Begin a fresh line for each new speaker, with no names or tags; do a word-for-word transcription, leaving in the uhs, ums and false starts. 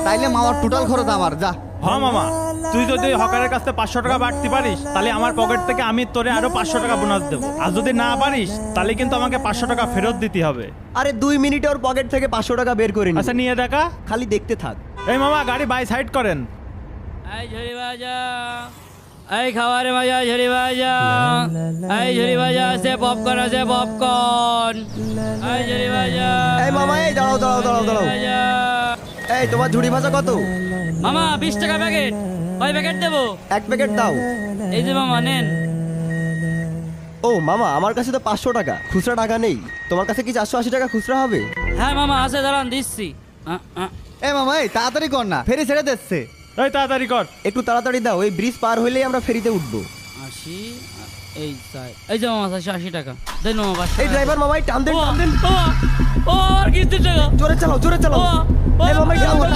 তাইলে মামার টোটাল খরচ আমার, যা।
হ্যাঁ মামা, তুই যদি হকারের কাছে পাঁচশো টাকা বাড়তে পারিস তাহলে আমার পকেট থেকে আমি তোরে আরো পাঁচশো টাকা বোনাস দেবো, আর যদি না পারিস তাহলে কিন্তু আমাকে পাঁচশো টাকা ফেরত দিতে হবে।
আরে দুই মিনিটে ওর পকেট থেকে পাঁচশো টাকা বের করে নি।
আচ্ছা নিয়ে দেখা।
খালি দেখতে থাক।
এই মামা গাড়ি বাই সাইড করেন।
এই ঝুড়ি বাজা, এই খাবারে মজা ঝুড়ি বাজা, এই ঝুড়ি বাজা আছে পপকর্ন, আছে পপকর্ন, এই ঝুড়ি বাজা।
এই মামা, এই দাঁড়াও দাঁড়াও দাঁড়াও দাঁড়াও।
বাজা।
এই তোমার ঝুড়ি ভাজা কত?
মামা বিশ টাকা প্যাকেট, কয় প্যাকেট দেবো?
এক প্যাকেট দাও।
এই যে মামা নেন।
ও মামা, আমার কাছে তো পাঁচশো টাকা খুচরা টাকা নেই। তোমার কাছে কি চারশো আশি টাকা খুচরা হবে?
হ্যাঁ মামা আছে, দাঁড়ান দিচ্ছি। আ, আ।
এ মামা, এই তাড়াতাড়ি কর না, ফেরি ছেড়ে দিচ্ছে।
এই তাড়াতাড়ি কর।
একটু তাড়াতাড়ি দাও, এই ব্রিজ পার হইলেই আমরা ফেরিতে উঠবো।
আশি, এই চাই, এই যে মামা চারশো আশি টাকা দেন মামা। পাঁচশো
এই
টাকা।
ড্রাইভার মামাই টান দেন,
ও,
টান দেন।
ও, ও, আর কিস্তির টাকা।
জোরে চালাও, জোরে চালাও।
ও, ও,
এই মামাই টান দেন।